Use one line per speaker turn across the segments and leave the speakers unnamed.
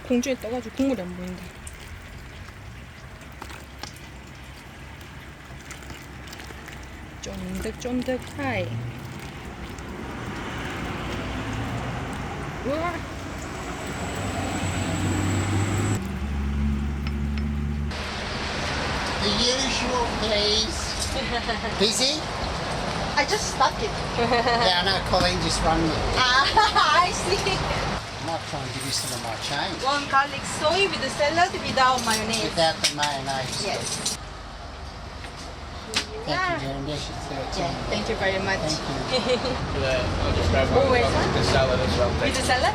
공중에 떠가지고 국물이 안 보인다. 쫀득쫀득 하이. 우와.
The usual, please. Busy?
I just stopped it.
Yeah, I know Colleen just rang me.
I see.
I might try and give you some of my change.
One garlic soy with the salad without mayonnaise.
Without the mayonnaise.
Yes.
Thank you, Jeremy. Yes,
Yeah, thank you very much.
Thank you.
I'll just grab one
Always,
with the salad as well.
With the salad?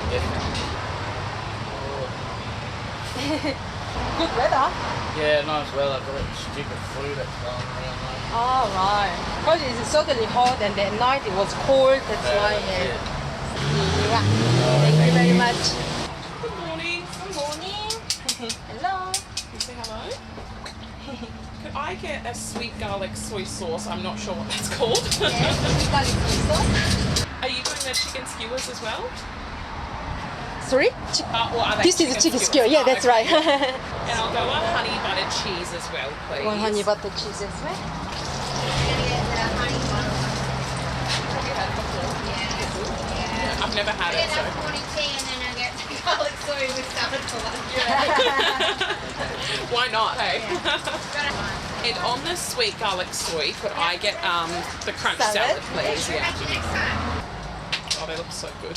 Yeah.
Good weather.
Yeah, nice weather. Got that stupid flu that's going around though.
Oh, right. Because it's suddenly hot and at night it was cold. That's why. Yeah. Thank you very much.
Good morning.
Good morning. Hello.
You say hello? Could I get a sweet garlic soy sauce? I'm not sure what that's called.
Yes, we got it also.
Are you doing the chicken skewers as well?
Sorry?
Or are they
This is a chicken skewer. Yeah, that's right.
And I'll go one honey buttered cheese as well, please.
One honey butter cheese as well.
I've never had it, so.
morning tea and then I get garlic soy with salad for lunch.
Why not, hey? And on the sweet garlic soy, could I get the crunch salad, please? Yeah. Oh, they look so good.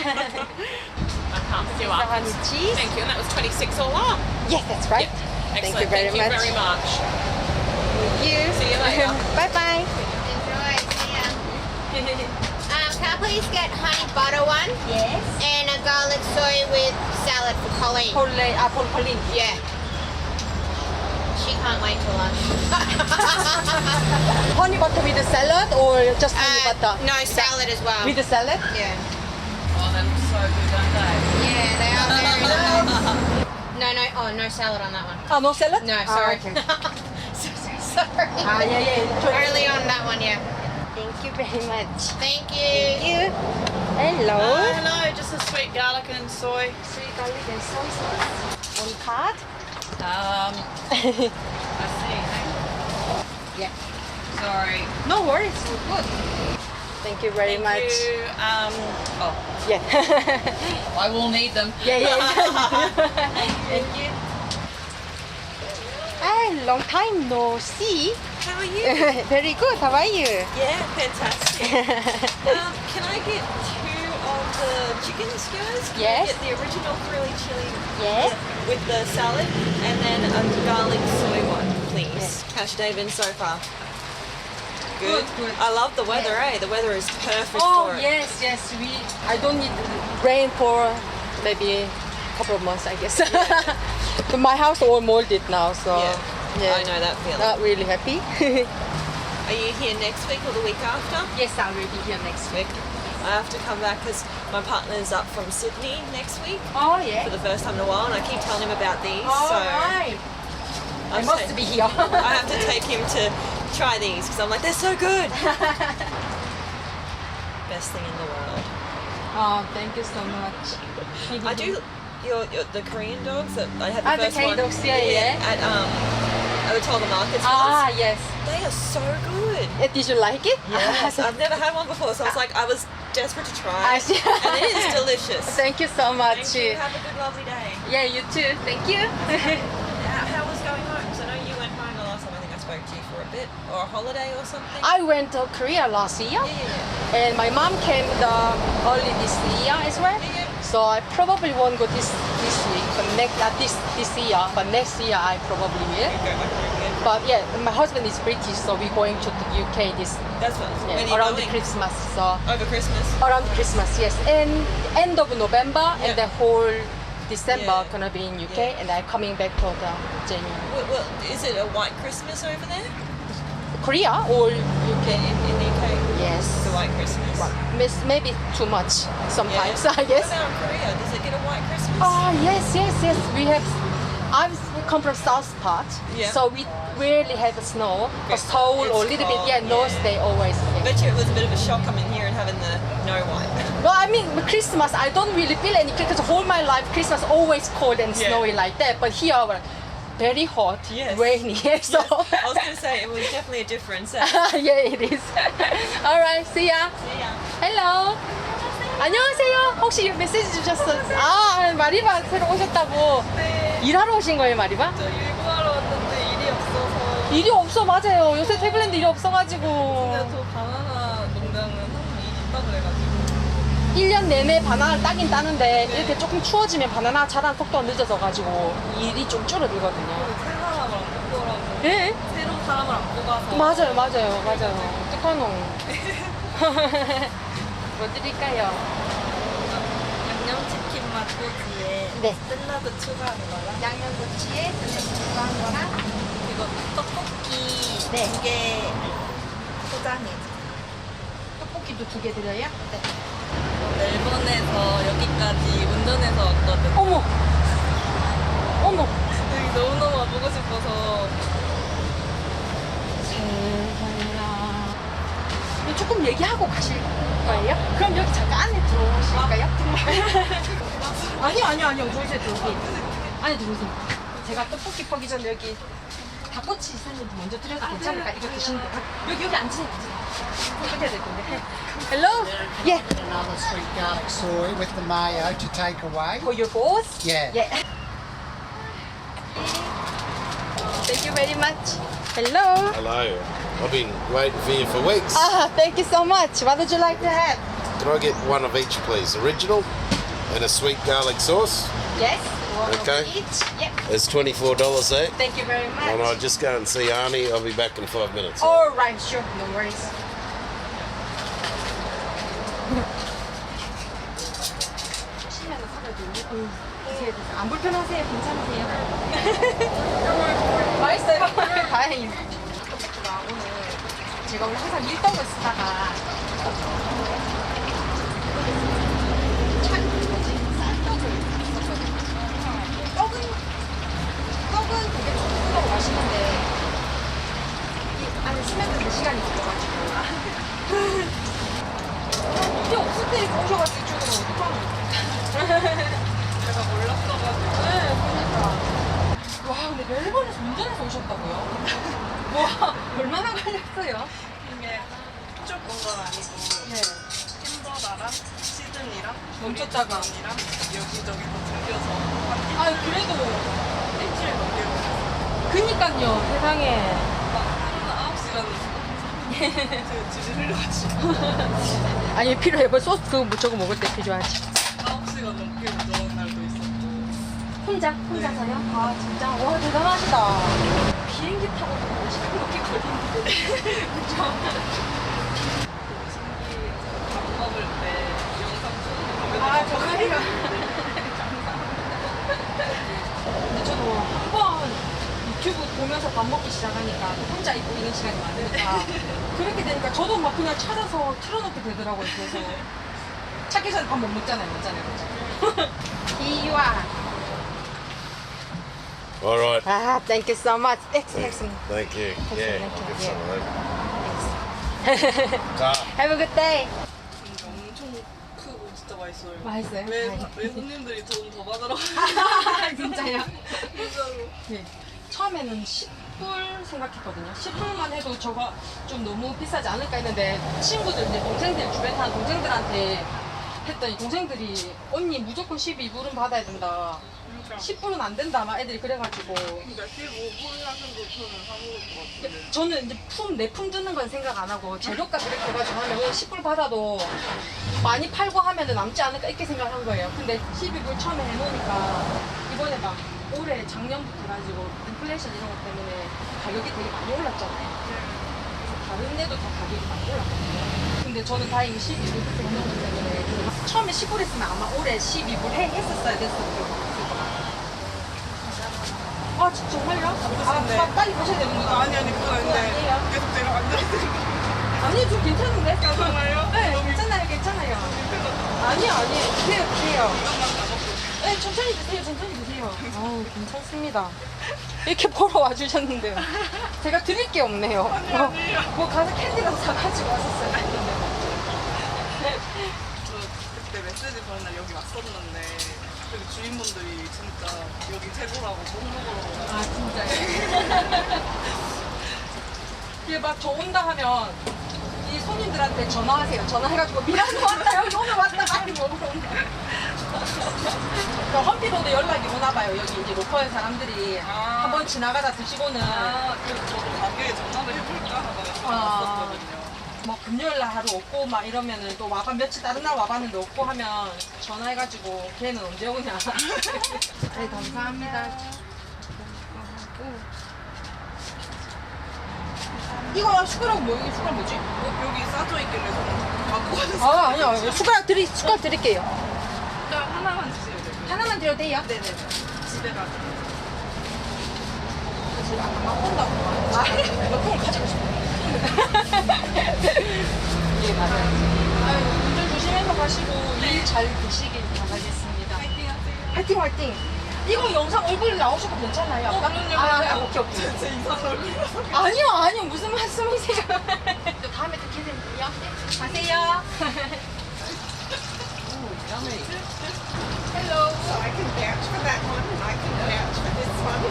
I can't queue
The
up.
honey cheese.
Thank you, and that was 26 all up.
Yes, that's right.
Yep.
Thank
Excellent.
you very
Thank
much.
you very much.
Thank you.
See you later.
Bye bye.
Enjoy. See ya. Can I please get honey butter one
Yes.
and a garlic soy with salad for Colleen?
For Colleen.
Yeah. She can't wait till lunch.
Honey butter with the salad or just honey butter?
No, salad as well.
With the salad?
Yeah.
Oh, they look so good, don't they?
Yeah, they are very nice. No, oh, no salad on that one.
Oh, no salad?
No,
Ah,
sorry.
okay.
Sorry.
Ah, yeah.
Only on that one, yeah.
Thank you very much.
Thank
Thank
you.
you. Hello.
Hello, just a sweet garlic and soy.
Sweet garlic and soy sauce. On card?
I see.
Yeah.
Sorry.
No worries. We're good. Thank you very much.
Thank you. Oh,
Yeah.
I will need them.
yeah. Thank you. Hi, long time no see.
How are you?
Very good. How are you?
Yeah, fantastic. Can I get 2 of the chicken skewers? Can
Yes.
I get the original grilled chili
Yes.
with the salad and then a garlic soy one, please.
Yes.
How's your day been so far? Good.
Good.
I love the weather, The weather is perfect
Oh
for it.
yes. I don't need rain for maybe a couple of months, I guess. My house all molded now, so
Yeah. I know that feeling.
Not really happy.
Are you here next week or the week after?
Yes, I will be here next week.
I have to come back because my partner's up from Sydney next week
Oh
for
yeah.
the first time in a while, and I keep telling him about these.
All
so
right. I
I'm
must
sa-
be here.
I have to take him to try these because I'm like, they're so good. Best thing in the world.
Oh, thank you so much.
I do the Korean dogs that I had the
The
first
Korean
one.
dogs, yeah.
At the Tolga Markets.
Ah,
ones.
yes.
They are so good.
Did you like it?
Yes, I've never had one before, so I was like, I was desperate to try.
I see.
And it is delicious.
Thank you so much.
Thank you. Have a good, lovely day.
Yeah, you too. Thank you.
How was going home? Because I know you went home the last time I think I spoke to you for a bit, or a holiday or something.
I went to Korea last year,
Yeah.
and my mom came early this year as well.
Yeah.
So I probably won't go this week, but not this year. But next year I probably will.
Go back home again.
But yeah, my husband is British, so we're going to the UK this
That's what. When are you
around
going?
the Christmas. So
Over Christmas.
around Christmas, yes, and end of November and
Yeah.
the whole December
Yeah.
gonna be in UK,
Yeah.
and I'm coming back to the January.
Well, is it a white Christmas over there?
Korea or UK?
In the UK?
Yes.
It's a white Christmas.
Maybe too much sometimes,
Yeah.
I guess.
What about Korea? Does it get a white Christmas?
Oh yes. We have. I come from south part,
Yeah.
so we rarely have snow. But Seoul or a little bit, yeah, north they always. Yeah.
Bet you it was a bit of a shock coming here and having the no one.
Well, I mean, with Christmas, I don't really feel any because whole my life Christmas always cold and
Yeah.
snowy like that. But here, very hot,
Yes.
rainy. So
I was going to say it was definitely a difference.
yeah, it is. Alright, see ya. Hello. 안녕하세요. 혹시 메시지 주셨어요? 아, 마리바 새로 오셨다고. 일하러 오신 거예요, 마리바?
저 일구하러 왔는데 일이 없어서.
일이 없어, 맞아요. 요새 태블랜드 일이 없어가지고.
저 바나나 농장은 항상 일이 있다 그래가지고.
1년 내내 바나나를 따긴 따는데 이렇게 조금 추워지면 바나나 자란 속도가 늦어져가지고 일이 좀 줄어들거든요.
새 사람을 안 뽑더라고.
예?
새로운 사람을 안 뽑아서.
맞아요. 어떡하노. 뭐 드릴까요?
양념치킨 맛소스에
네.
샐러드 추가한 거랑
양념꼬치에 추가한 거랑
그리고 떡볶이
네.
2개 포장해.
떡볶이도 2개 드려요? 네.
멜번에서 여기까지 운전해서 왔거든.
어머!
여기 너무너무 와보고 싶어서.
세상에나. 조금 얘기하고 가실 거예요? 그럼 여기 잠깐 안에 들어오실까요? 아니요. 들어오세요. 안에 들어오세요. 제가 떡볶이 퍼기 전에 여기 닭꼬치 있었는데 먼저 드려도 괜찮을까? 이거 드시는 거. 여기 앉으세요. 끝에 될 건데. Hello? Yeah.
Another sweet garlic soy with the mayo to take away.
For your boss?
Yeah.
Yeah. Thank you very much. Hello.
Hello. I've been waiting for you for weeks.
Ah, thank you so much. What would you like to have?
Can I get one of each, please? Original and a sweet garlic sauce.
Yes. One
Okay.
of each. Yep.
It's $24 there.
Thank you very much.
And I'll just go and see Arnie. I'll be back in 5 minutes.
All right, sure. No worries. 안 불편하세요? 괜찮으세요? 맛있어요? 다행이네. 제가 원래 항상 밀떡을 쓰다가 떡은 되게 촉촉하고 맛있는데 이 안에 스며드는 시간이 걸려가지고 이게 없을 때 오셔가지고 주는 어떡하노.
제가 몰랐어가지고.
네, 그러니까. 와, 근데 멜번에서 운전해서 오셨다고요? 와, 얼마나 걸렸어요?
이게 쭉온 건 아니고.
네.
햄버거랑 시즌이랑
멈췄다가.
이랑 여기저기 다 들려서
아, 그래도.
일주일 넘게 걸렸어요.
그니까요, 세상에.
하루는 9시간 제가 집에 흘려가지고
아니, 필요해. 뭐 소스 그거 저거 먹을 때 필요하지.
9시간 넘게 운전한 날도 있었고.
혼자서요? 아, 진짜? 와, 대단하시다. 비행기 타고 5시간 넘게 걸리는데. 그쵸?
밥 먹을 때 영상 찍는 거
아, 정말요? 근데 저도 한 번 유튜브 보면서 밥 먹기 시작하니까 혼자 있고 이런 시간이 많으니까 그렇게 되니까 저도 막 그냥 찾아서 틀어놓게 되더라고요. 그래서 찾기 전에 밥 못 먹잖아요. 그죠? 이와.
All right.
아, thank you so much. Excellent.
Thank you. Yeah,
Thank you.
I'll get
Yeah.
some of them. Ta.
Have a good day.
엄청 크고 진짜 맛있어요.
맛있어요?
왜 손님들이 돈 더 받으러
진짜요?
진짜로.
네. 처음에는 10불 생각했거든요. 10불만 해도 저거 좀 너무 비싸지 않을까 했는데 친구들, 이제 동생들, 주변 사는 동생들한테 했더니 동생들이 언니 무조건 12불은 받아야 된다. 10불은 안 된다. 막 애들이 그래가지고.
그러니까 15불 하는 거 저는 사먹을 것 같은데.
저는 이제 내품 드는 건 생각 안 하고 재료값 이렇게 해가지고 하면 그냥 10불 받아도 많이 팔고 하면 남지 않을까 이렇게 생각한 거예요. 근데 12불 처음에 해놓으니까 이번에 막 올해 작년부터 가지고 인플레이션 이런 것 때문에 가격이 되게 많이 올랐잖아요. 그래서 다른 데도 다 가격이 많이 올랐거든요. 근데 저는 다행히 12불 그렇게 해놓기 때문에 처음에 10불 했으면 아마 올해 12불 했었어야 됐었을 아, 진짜 정말요? 아, 빨리 가셔야 되는구나.
아니 그건 아닌데 계속 제가 앉아있으니까.
아니, 좀 괜찮은데?
괜찮아요?
네, 괜찮아요. 아니요. 돼요.
이것만 다 먹고.
네, 천천히 드세요, 천천히 드세요. 아우, 괜찮습니다. 이렇게 보러 와주셨는데 제가 드릴 게 없네요. 뭐 가서 캔디라도 사가지고 왔었어요.
저 그때 메시지 보낸 날 여기 왔었는데 여기 주인분들이 진짜 여기 최고라고 못 먹으러
아, 진짜요? 이게 막 저 온다 하면 이 손님들한테 전화하세요. 전화해가지고 미라노 왔다, 여기 오늘 왔다, 빨리 먹으러 온다. 그러니까 험피로도 연락이 오나 봐요. 여기 이제 로컬 사람들이 한번 지나가다 드시고는
그래서 저도 가게에 전화를 해볼까 하다가
아.
왔었거든요.
뭐 금요일 날 하루 없고 막 이러면은 또 와봐 며칠 다른 날 와봤는데 없고 하면 전화해가지고 걔는 언제 오냐. 네, 감사합니다. 이거 숟가락 뭐 이게 숟가락 뭐지?
여기 싸져 있길래 저는 갖고 가서
아 아니요 숟가락 드릴게요.
하나만 주세요. 네.
하나만 드려도 돼요?
네네네. 집에 가서.
아까 막 온다고. 아, 몇 통을 가지고 싶어. 예, 맞아요. 아유, 운전 조심해서 가시고 일 잘 되시길 바라겠습니다. 화이팅, 화이팅. 이거 영상 얼굴 나오셔도 괜찮아요? 아, 오케이, 오케이.
제 이상한 얼굴이라서.
아니요, 무슨 말씀이세요? 또 다음에 또 기대돼요. 가세요.
Hello, so I can vouch for that one and I can vouch for this one.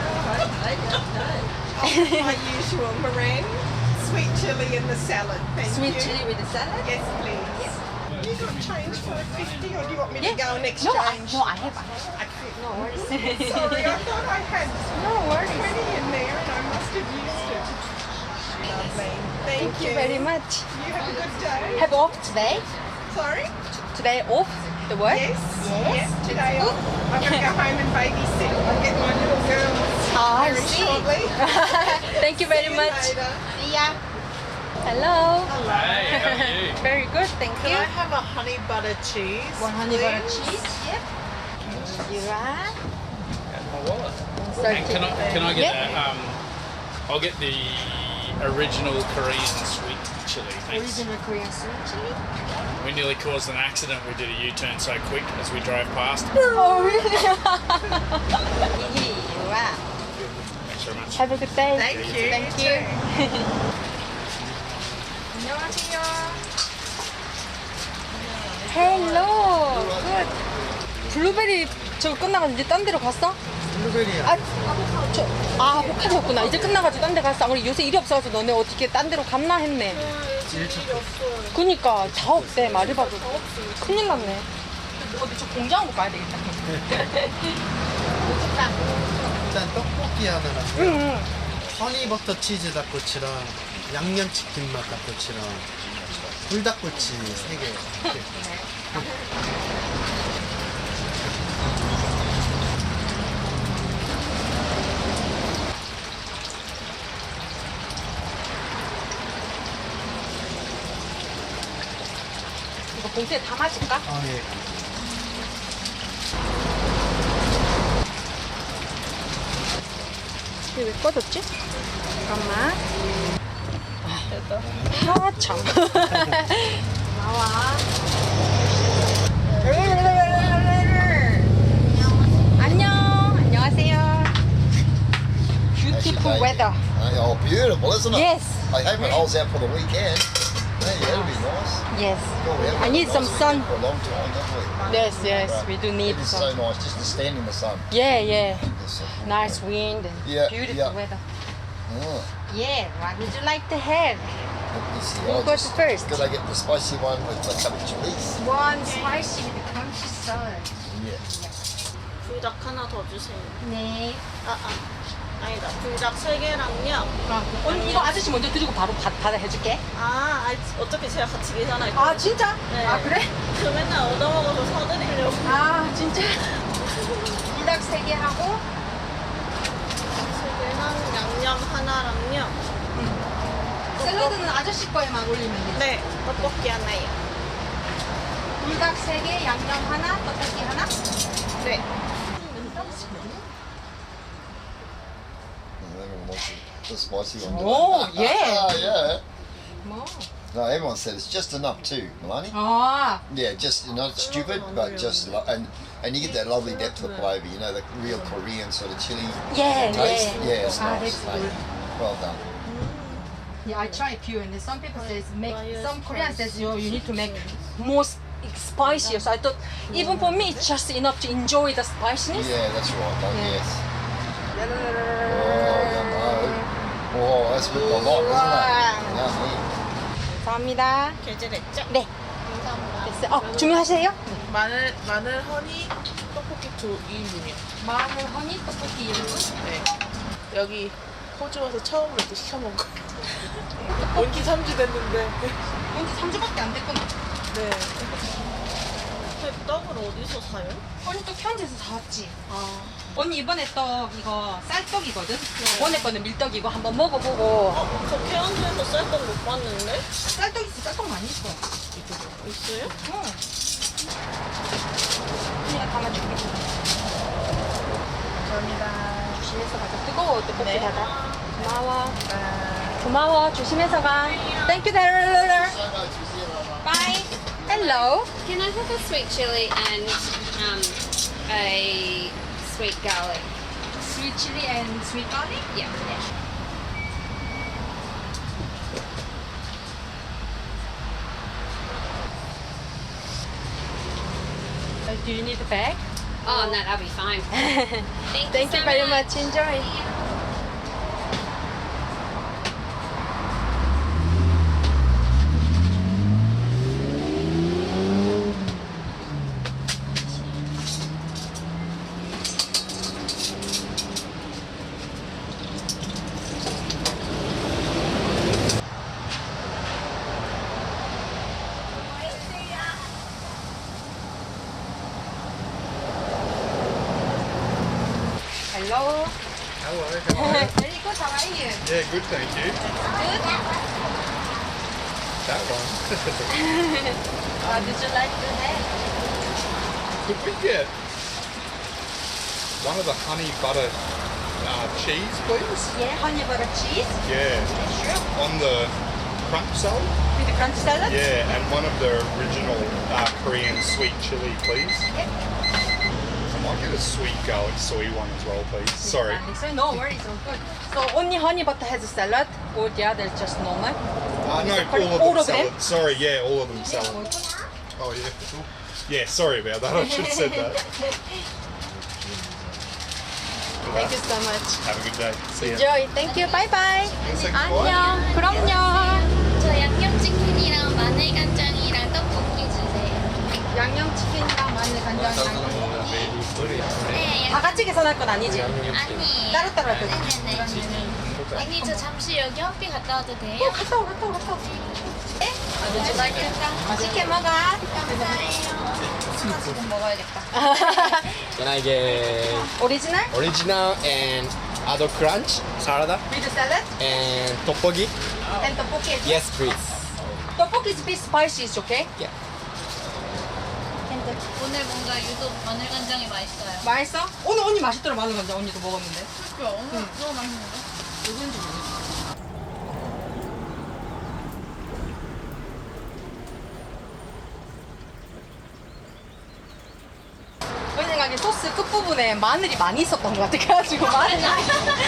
My usual meringue, sweet chilli in the salad. Thank
Sweet
you.
chili with the salad?
Yes, please. You got change for a 50 or do you want me to go and
No,
exchange?
I have. No worries.
Sorry, I thought I had
No worries.
20 in there and I must have used it. Lovely. Thank
Thank you very much.
You have a good day.
Have off today?
Sorry?
Today off the work?
Yes. Yes, today I'm going to go home and babysit. I'll get my little girls
I
very
see.
shortly.
Thank you very
See you
much.
later.
See ya. Hello.
Hey, how are you?
Very good, thank
Can
you.
I have a honey butter cheese?
One honey butter
please?
cheese. Yep. You are.
My wallet. And
30.
can I get
Yeah.
that? I'll get the original Korean sweet chili. Thanks.
Original Korean sweet chili.
We nearly caused an accident. We did a U-turn so quick as we drove past.
Oh really? Here you are.
Thanks very much.
Have a good day.
Thank you.
Thank
You
you.
too.
안녕하세요. Hello. Good. 블루베리 저거 끝나가지고 이제 딴 데로 갔어?
블루베리야.
아보카도였구나. 이제 끝나가지고 딴 데 갔어. 우리 요새 일이 없어서 너네 어떻게 딴 데로 갔나 했네. 그니까 다 없대. 말해봐도. 큰일 났네. 어디 저 공장 한번 가야 되겠다.
일단 떡볶이 하나랑
응.
허니버터 치즈 닭꼬치랑 양념치킨 맛 닭꼬치랑 불닭꼬치 3개.
이거 봉투에 담아줄까?
아 예.
이게 왜 꺼졌지? 잠깐만. 아, 참. 나와. 안녕. 안녕하세요. Beautiful weather.
Oh, beautiful, isn't it?
Yes.
I hope it holds out for the weekend. Yeah, that'll be nice.
Yes.
Well, we haven't
I
had
need
a
some
nice
sun.
weekend for a long time, haven't we?
Yes, yes.
Right.
We do need
It is
some.
so nice just to stand in the sun.
Yeah, yeah.
It's so cool.
Nice wind and
Yeah,
beautiful
yeah.
weather.
Oh,
Yeah. What would you like to have?
let me see.
You
I'll
go
just-
first.
Could I get the spicy one with the cabbage chilies?
One spicy with crunchy salad.
Yeah.
불닭 하나 더 주세요.
네.
아니다. 불닭 3개랑요.
언니 이거 아저씨 먼저 드리고 바로 받아 해줄게.
어차피 제가 같이 계산할게요.
아 진짜?
네.
아 그래?
저 맨날 얻어먹어서 사드리려고.
아 진짜? 불닭 3개 하고
3개랑 양념 하나랑요.
샐러드는 아저씨 거에만 올리면 돼.
네. 떡볶이 하나요.
불닭 3개, 양념 하나, 떡볶이 하나.
네.
Everyone wants the spicy one. don't
Oh,
they?
yeah.
yeah.
뭐?
No, everyone said it's just enough too, Milani.
아.
Yeah, just not stupid, but just and
And you get that lovely depth of flavour, you know, the real Korean sort of chili
Yeah,
taste.
yeah.
Yeah, it's
Ah,
nice.
that's
mate.
good.
Well done.
Yeah, I try few, and some people says make. Some Korean says you need to make more spicier. So I thought even for me it's just enough to enjoy the spiciness.
Yeah, that's right, mate,
Yeah.
yes. Oh, oh, that's with a lot, isn't it? Yummy.
감사합니다.
결제됐죠?
네. 됐어요. 주문하세요?
마늘 허니 떡볶이 2인분이요.
마늘 허니 떡볶이 1분.
네. 여기 호주 와서 처음으로 이렇게 시켜 먹은 거. 온지 3주 됐는데.
언제 3주밖에 안 됐구나.
네.
그 떡을 어디서 사요?
언니 떡 현지에서 사왔지.
아.
언니 이번에 떡 이거 쌀떡이거든. 이번에 거는 밀떡이고 한번 먹어보고.
저 태안주에서 쌀떡 못 봤는데?
쌀떡 있어. 쌀떡 많이 있어.
있어요?
응. 언니가 담아줄게. 감사합니다. 조심해서 가자. 뜨거워 떡볶이
네.
닫아. 고마워. 고마워. 조심해서 가. Thank you, Darryl. Bye. Hello.
Can I have a sweet chili and a sweet garlic?
Sweet chili and sweet garlic?
Yeah.
Do you need a bag?
Oh, no, that'll be fine.
Thank you
so
very much. Enjoy. Hello.
Hello, how are you?
Very good. How are you?
Yeah, good, thank you.
Good.
That one.
Did you like the head?
Could we get one of the honey butter cheese, please?
Yeah, honey butter cheese.
Yeah.
Sure.
On the crunch salad?
With the crunch salad.
Yeah, and one of the original Korean sweet chili, please.
Yep.
I might get a sweet garlic soy one as well, please. Sorry.
So no worries, all good. So only honey butter has a salad, or the other just normal?
No, all of them salad. Sorry, yeah, all of them salad. Oh, yeah. Cool. Yeah, sorry about that. I should have said that.
Thank you so much.
Have a good day. See ya.
Enjoy. Thank you. Bye bye.
Say goodbye.
안녕. 그럼요.
저 양념치킨이랑 마늘간장이랑 떡볶이 주세요.
양념치킨이랑 마늘 간장이랑
네,
다 같이 계산할 건 아니지?
아니.
따로따로 할 거지?
네네네. 언니 저 잠시 여기 헛비 갔다 와도 돼요?
갔다 와. 네?
Would you like it?
맛있게 먹어.
감사해요. 지금 먹어야겠다.
Can I get
오리지널?
original and other crunch salad
With salad?
and tteokbokki?
And 떡볶이.
Yes, please.
떡볶이 is bit spicy, is okay?
Yeah.
오늘 뭔가 유독 마늘간장이 맛있어요.
맛있어? 오늘 언니 맛있더라 마늘 간장 언니도 먹었는데.
그래, 오늘 너무 맛있는데?
누군지 모르겠어. 내 생각에 소스 끝부분에 마늘이 많이 있었던 것 같아. 그래가지고 마늘.
아니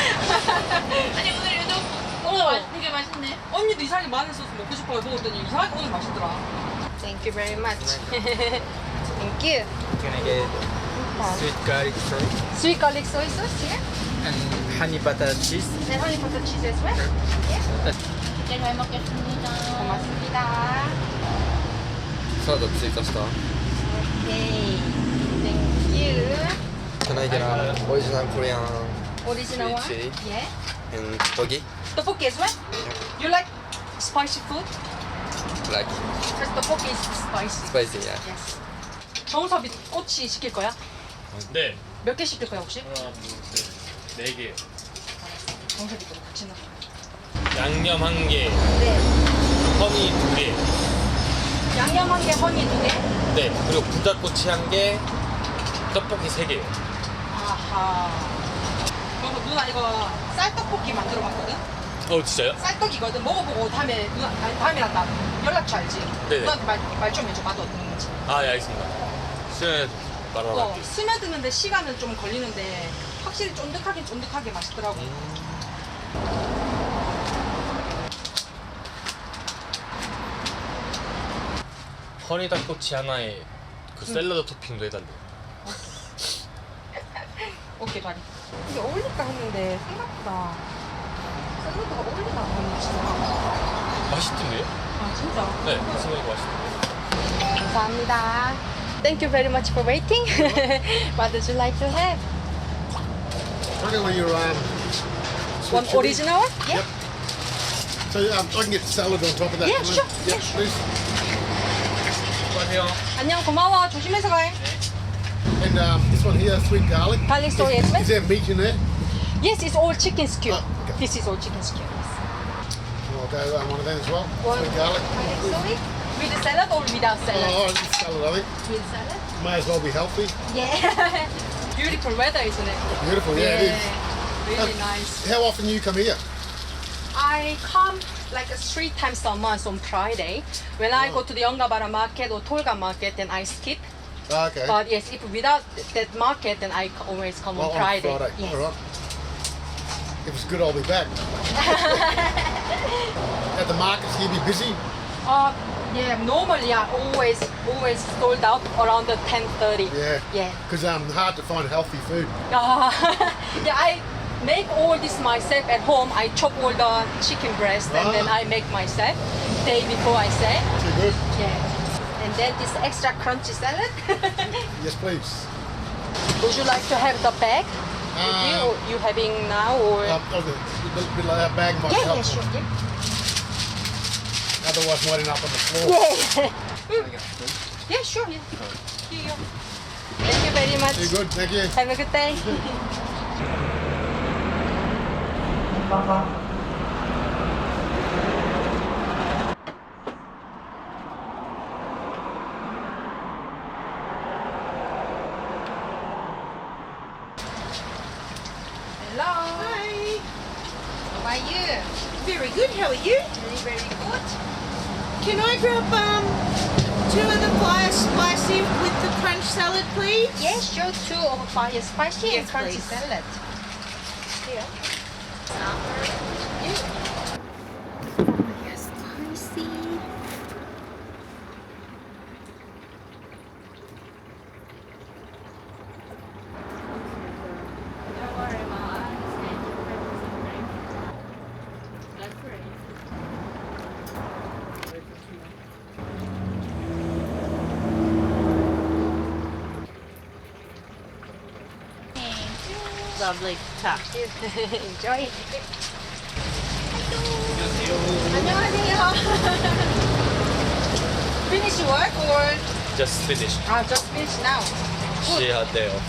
오늘 유독 되게 맛있네.
언니도 이상하게 마늘 소스 먹고 싶어요 먹었더니 이상하게 오늘 맛있더라. Thank you very much. Thank you.
Can I get sweet garlic soy
Sweet garlic soy sauce here?
and honey butter cheese?
And honey butter cheese as well?
네, 잘 먹겠습니다.
고맙습니다.
salad追加した
Okay. Thank you.
Can I get original Korean
Original one?
chili
Yeah.
and tteokbokki?
Tteokbokki as well? You like spicy food?
Like
Because tteokbokki is spicy.
spicy, yeah.
Yes. 정섭이 꼬치 시킬 거야?
네.
몇 개 시킬 거야 혹시?
네 개.
정섭이도 같이 넣어.
양념 1개,
네.
허니 2개.
양념 한 개, 허니 2개?
네. 그리고 부자꼬치 1개, 떡볶이 3개.
아하. 그리고 누나 이거 쌀떡볶이 만들어 봤거든?
진짜요?
쌀떡이거든. 먹어보고 다음에 누나 아니 다음이랑 나 연락처 알지?
네네.
누나한테 말 좀 해줘. 맛 어떤 건지.
네, 알겠습니다. 시원해.
바나나.
스며드는데 시간은 좀 걸리는데 확실히 쫀득하게 맛있더라고.
허니 닭꼬치 하나에 그 샐러드 토핑도 해달래.
오케이, 다리. 이게 어울릴까 했는데 생각보다 샐러드가 어울리나 보네.
맛있던데요?
아, 진짜?
네, 생각이 맛있던데.
감사합니다. Thank you very much for waiting. What would you like to have?
Particularly your
One original one? Yeah.
So I can get the salad on top of that.
Yeah,
can I?
sure.
Yep, please.
안녕, 고마워. 조심해서 가.
And this one here, sweet garlic.
Garlic soy, yes,
Is there meat in there?
Yes, it's all chicken skew.
Oh, okay.
This is all chicken skew. Yes.
I'll go one of them as well.
One
Sweet garlic.
garlic soy with the salad or without salad?
Oh, it's salad, I think.
With salad.
May as well be healthy.
Yeah. Beautiful weather, isn't it?
Beautiful, yeah, it is.
Really nice.
How often you come here?
I come like 3 times a month on Friday. When I go to the Yongabara market or Tolga market, then I skip.
Okay.
But yes, if without that market, then I always come on Friday. Yes.
All right. If it's good, I'll be back. At the markets, you'll be busy.
Yeah, normally I always sold out around the 10:30.
Yeah.
Yeah.
Because hard to find healthy food.
Yeah, I make all this myself at home. I chop all the chicken breast and then I make myself day before I sell.
Too good.
Yeah. And then this extra crunchy salad.
Yes, please.
Would you like to have the bag? With you, or you having now or?
Bit like that bag might
Yeah,
help.
yeah, sure. Yeah.
Otherwise, winding up on the floor.
Yeah. Yeah, sure. Yeah. Here you go. Thank you very much.
Too good. Thank you.
Have a good day. Hello.
Hi.
How are you?
Very good. How are you?
Very good.
Can I grab 2 of the fire spicy with the crunch salad, please?
Yes, sure. 2 of fire spicy and
Yes,
crunchy
please.
salad. Here.
Yes, spicy.
Lovely. 자.
Enjoy. 안녕하세요. Finish work or?
Just finished.
Just finish now.
She had day off.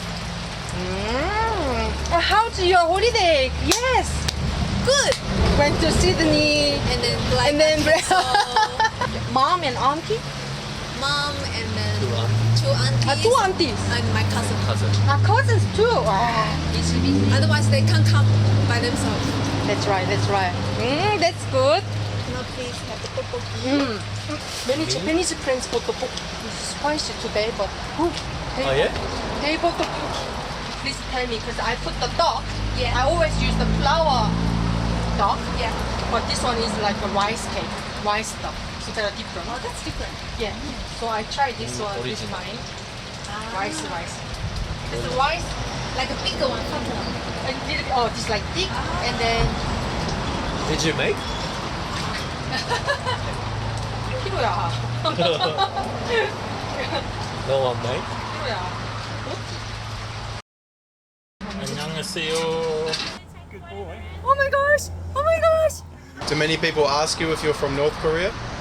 How's your holiday? Yes. Good. Went to Sydney.
And then
Mom and auntie?
mom and then 2 aunties.
2 aunties.
And my cousin.
Cousins too.
Otherwise they can't come by themselves.
That's right. That's good.
Can I please have the tteokbokki?
Many Japanese friends bought the book. It's spicy today, but
yeah?
they bought the book. Please tell me, because I put the duck.
Yeah.
I always use the flour duck.
Yeah.
But this one is like a rice cake, rice duck. So they're different.
Oh, that's different.
Yeah. So I tried this one with
original.
mine. Rice.
It's the rice, like a bigger one, fat one.
A little bit, this like thick, and then
Did you make?
키로야.
No one made?
키로야.
안녕하세요.
Oh my gosh!
Do many people ask you if you're from North Korea?